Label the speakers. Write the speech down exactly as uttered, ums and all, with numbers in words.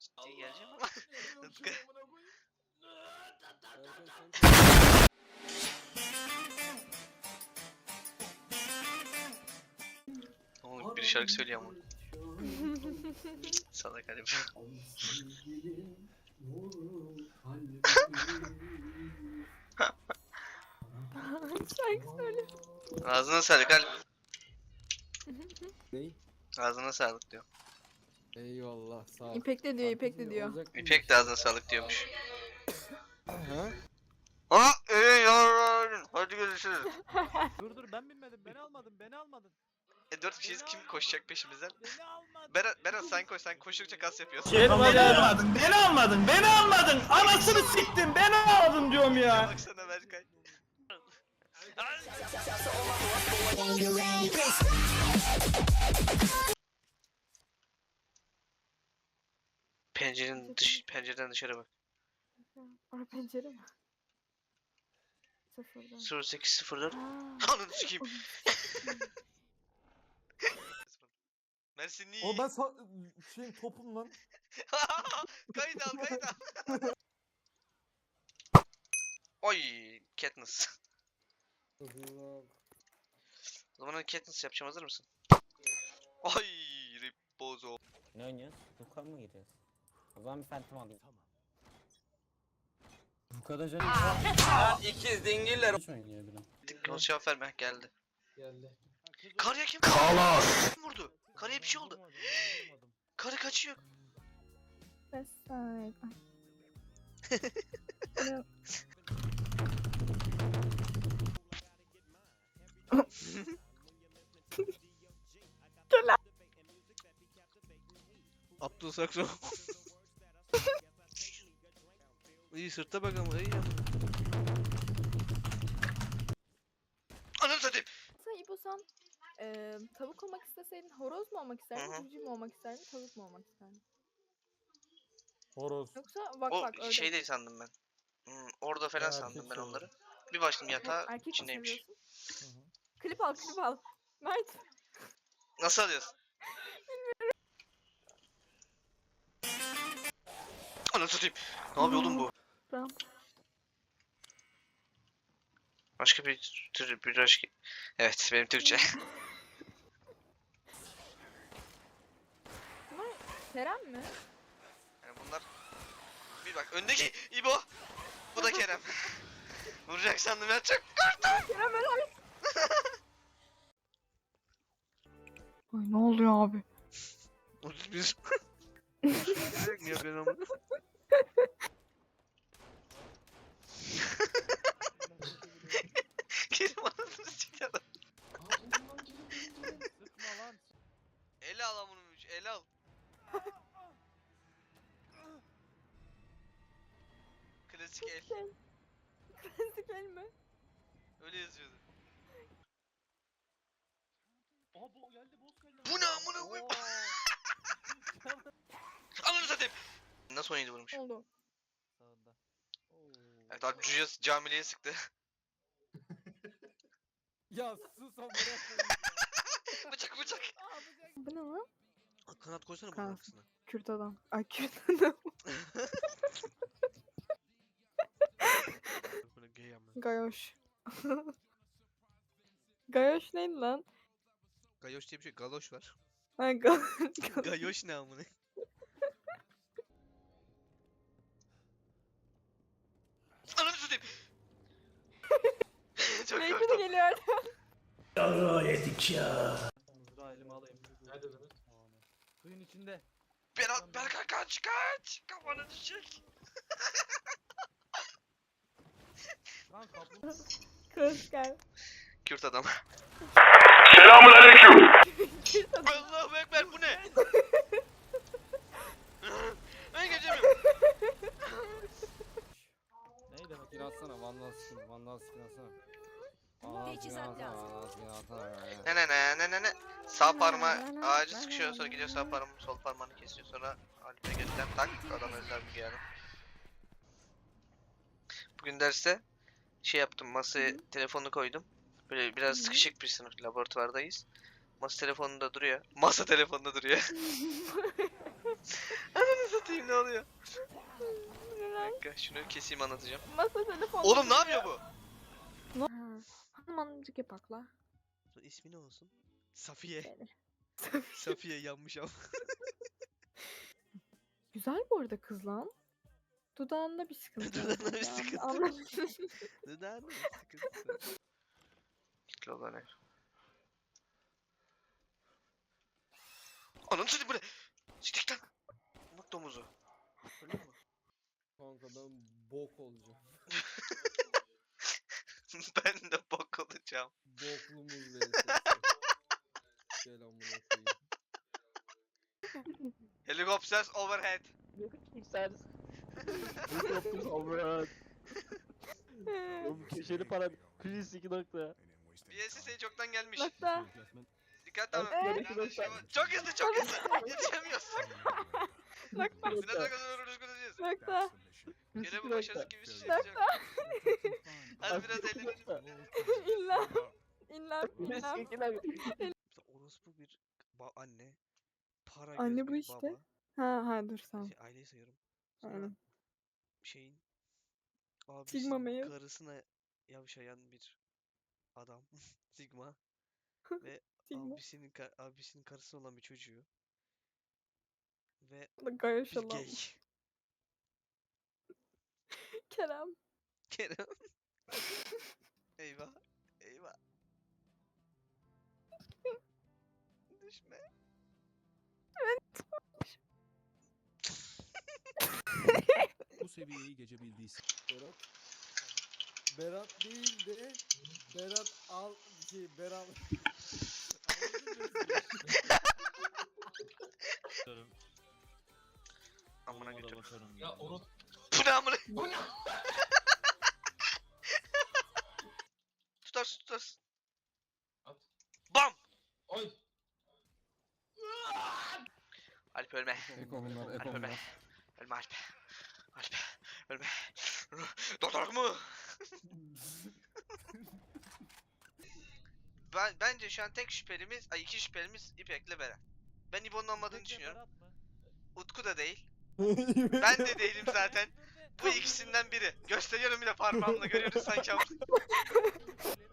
Speaker 1: Ciddi geleceğim ama. Rıfkı. Oğlum bir şarkı söylüyor ama. Sana garip.
Speaker 2: Şarkı söyle.
Speaker 1: Ağzına sağlık Alp.
Speaker 3: Ney?
Speaker 1: Ağzına sağlık diyor.
Speaker 3: Eyvallah sağ ol.
Speaker 2: İpek de diyor, İpek de diyor.
Speaker 3: Olacak mı
Speaker 1: İpek de ağzına sağlık diyormuş.
Speaker 3: Ha?
Speaker 1: Aa iyi yavrum. Hadi görüşürüz.
Speaker 4: Dur dur ben bilmedim. Beni almadın. Beni almadın.
Speaker 1: E dört kişiyiz, kim koşacak peşimizden?
Speaker 4: Beni almadın.
Speaker 1: Berat, Berat sen koş, sen koştukça kas yapıyorsun.
Speaker 5: Beni almadın, beni almadın, beni almadın. Anasını siktim, beni almadın diyorum ya.
Speaker 1: Baksana Berkay. Pencerenin dış, pencereden dışarı bak.
Speaker 2: Orada pencere mi? Sıfırdan.
Speaker 1: sıfır sekiz sıfır dört.
Speaker 2: Aa.
Speaker 1: Ananı sikeyim. Mersin iyi.
Speaker 3: O ben sa şeyin topum lan.
Speaker 1: Kayıt al, kayıt al. Oy, Katniss.
Speaker 3: Allah.
Speaker 1: O zaman Katniss yapacağım, hazır mısın? Ay, Ripozo.
Speaker 6: Ne oynuyoruz? Yukarı mı giriyoruz? O zaman bir Phantom alayım. Tamam. Bu kadar canım.
Speaker 5: İkiz dingiller.
Speaker 6: Hiç oynuyor bilim.
Speaker 1: Nasıl cevap verme, geldi.
Speaker 3: Geldi.
Speaker 1: Karıya kim? Kalas. Kim vurdu? Karıya bir şey oldu. Karı kaçıyor.
Speaker 2: West side. Ay.
Speaker 1: Abdül Sakso. İyi sırta bak ama iyi ama. Anam satayım.
Speaker 2: Sen İbo sen e, tavuk olmak isteseydin horoz mu olmak
Speaker 1: Hı
Speaker 2: isterdin,
Speaker 1: hı.
Speaker 2: civciv mi olmak isterdin, tavuk mu olmak isterdin?
Speaker 3: Horoz.
Speaker 2: Yoksa bak
Speaker 1: O
Speaker 2: bak ördek.
Speaker 1: şey değil sandım ben. Hmm, orada falan
Speaker 3: Ya,
Speaker 1: sandım ben
Speaker 3: erkek
Speaker 1: onları. Bir baktım yatağı
Speaker 2: Erkek mi
Speaker 1: içindeymiş.
Speaker 2: seviyorsun? Klip al, klip al. Mert.
Speaker 1: Nasıl alıyorsun? Anam satayım. Ne yapıyor oğlum bu?
Speaker 2: Tamam.
Speaker 1: Başka bir tür bir başka. Evet, benim Türkçe.
Speaker 2: Bunlar Kerem mi?
Speaker 1: Yani bunlar bir bak öndeki İbo. Bu da Kerem. Vuracak sandım ya, çok korktum.
Speaker 2: Kerem ben abi. Ay ne oluyor abi?
Speaker 1: otuz bir. Ne yapıyorsun ama? Kerem anasını sikti adam.
Speaker 4: Sıkma lan.
Speaker 1: Ele al amına, ele al. Klasik el.
Speaker 2: Klasik el mi?
Speaker 1: Öyle yazıyordu.
Speaker 4: Aha bu geldi boss geldi.
Speaker 1: Bu ne amına koyayım? Ananı satayım. Nasıl oynadı vurmuş?
Speaker 2: Oldu.
Speaker 4: Sağında.
Speaker 1: Evet abi, Cüyas camiliye sıktı.
Speaker 3: Ya sus ama
Speaker 1: Bıçak bıçak.
Speaker 2: Bu ne lan?
Speaker 1: Kanat koysana bunun
Speaker 2: Kanat.
Speaker 1: arkasına.
Speaker 2: Kürt adam. Ay Kürt adam.
Speaker 1: Böyle gay amına.
Speaker 2: Gayoş. Gayoş neydi lan?
Speaker 1: Gayoş diye bir şey, galoş var.
Speaker 2: Ha, ga
Speaker 1: Gayoş ne amına? Ananı satayım. Çok
Speaker 2: Belki de
Speaker 1: korktum.
Speaker 2: geliyor.
Speaker 5: Yarrağı yedik ya.
Speaker 4: Mızrağı elime alayım. Nerede lan? Suyun içinde.
Speaker 1: Berat, Berkay kaç kaç. Kafana düşecek.
Speaker 4: Lan kaplumbağa.
Speaker 2: Kız gel.
Speaker 1: Kürt adam.
Speaker 2: Kürt adam.
Speaker 1: Allahu ekber, bu ne? Ben geçemiyorum.
Speaker 4: Ney demek?
Speaker 3: Skin atsana, vandal skin, vandal skin atsana. Vandal skin
Speaker 7: Teçhizat
Speaker 3: atsana,
Speaker 7: lazım.
Speaker 3: vandal skin atsana.
Speaker 1: Ne ne ne ne ne ne. Sağ parmağı ağacı sıkışıyor, sonra gidiyor sağ parmağını sol parmağını kesiyor, sonra Alp'e götten tak adam özel bir yani. Bugün derste şey yaptım, masaya telefonu koydum. Böyle biraz
Speaker 2: Hı.
Speaker 1: sıkışık bir sınıf, laboratuvardayız. Masa telefonunda duruyor. Masa telefonunda duruyor. Ananı satayım, ne oluyor? Bir dakika şunu keseyim anlatacağım.
Speaker 2: Masa telefonu.
Speaker 1: Oğlum ne yapıyor bu?
Speaker 2: Hanımcık yapakla.
Speaker 7: İsmi ne olsun? Safiye.
Speaker 2: Benim.
Speaker 7: Safiye yanmış ama.
Speaker 2: Güzel bu arada kız lan. Dudağında bir sıkıntı. yok
Speaker 7: Dudağında bir
Speaker 2: ya.
Speaker 7: sıkıntı.
Speaker 2: Anladım.
Speaker 7: Neden mi? Sıkıntısı.
Speaker 1: Kitle olan ev. Anam seni bu ne? Siktir lan. Bak domuzu. Öyle mi?
Speaker 3: Kanka ben bok olacağım.
Speaker 1: Ben de bok olacağım.
Speaker 3: Boklumuz vs. Gel amına koyayım.
Speaker 1: Helikopter overhead.
Speaker 8: Oğlum köşeli para kriz iki nokta.
Speaker 1: B S S çoktan gelmiş.
Speaker 2: Nokta.
Speaker 1: Dikkat tamam.
Speaker 2: Evet.
Speaker 1: Biraz şey var. Çok hızlı çok hızlı. Yetişemiyorsun.
Speaker 2: Nokta.
Speaker 1: Biraz daha kadar uğraş konuşacağız.
Speaker 2: Nokta.
Speaker 1: Gene bu başarısız gibi bir şey yapacak. Hadi biraz eğlenelim.
Speaker 2: İlla. İlla. İlla.
Speaker 7: Mesela orospu bir ba- anne. Para
Speaker 2: Anne
Speaker 7: göz
Speaker 2: bu
Speaker 7: bir
Speaker 2: işte.
Speaker 7: baba.
Speaker 2: Ha ha dur sen.
Speaker 7: Şey, aileyi sayıyorum. Sonra
Speaker 2: Aynen.
Speaker 7: şeyin
Speaker 2: Sigma
Speaker 7: abisinin
Speaker 2: male.
Speaker 7: karısına yavşayan bir adam. Sigma. Ve
Speaker 2: Sigma.
Speaker 7: abisinin ka- abisinin karısı olan bir çocuğu. Ve
Speaker 2: Gayet
Speaker 7: bir
Speaker 2: şalam.
Speaker 7: gay.
Speaker 2: Kerem.
Speaker 7: Kerem. Eyvah. Eyvah. Düşme.
Speaker 9: Bu seviyeyi geçebildiyse.
Speaker 3: Berat. Berat değil de Berat al şey Berat.
Speaker 1: Amına götür.
Speaker 4: Ya onu
Speaker 1: Bu ne amına? Tutarsın tutarsın.
Speaker 4: At.
Speaker 1: Bam!
Speaker 4: oy.
Speaker 1: Alp ölme.
Speaker 3: Eko bunlar,
Speaker 1: Alp
Speaker 3: eko
Speaker 1: ölme.
Speaker 3: bunlar.
Speaker 1: Ölme Alp. Alp. Ölme. Doktor mu? Ben bence şu an tek şüphelimiz, ay iki şüphelimiz İpek'le Beren. Ben İbo'nun olmadığını düşünüyorum. Utku da değil. Ben de değilim zaten. Bu ikisinden biri. Gösteriyorum bir de parmağımla görüyoruz sanki ama.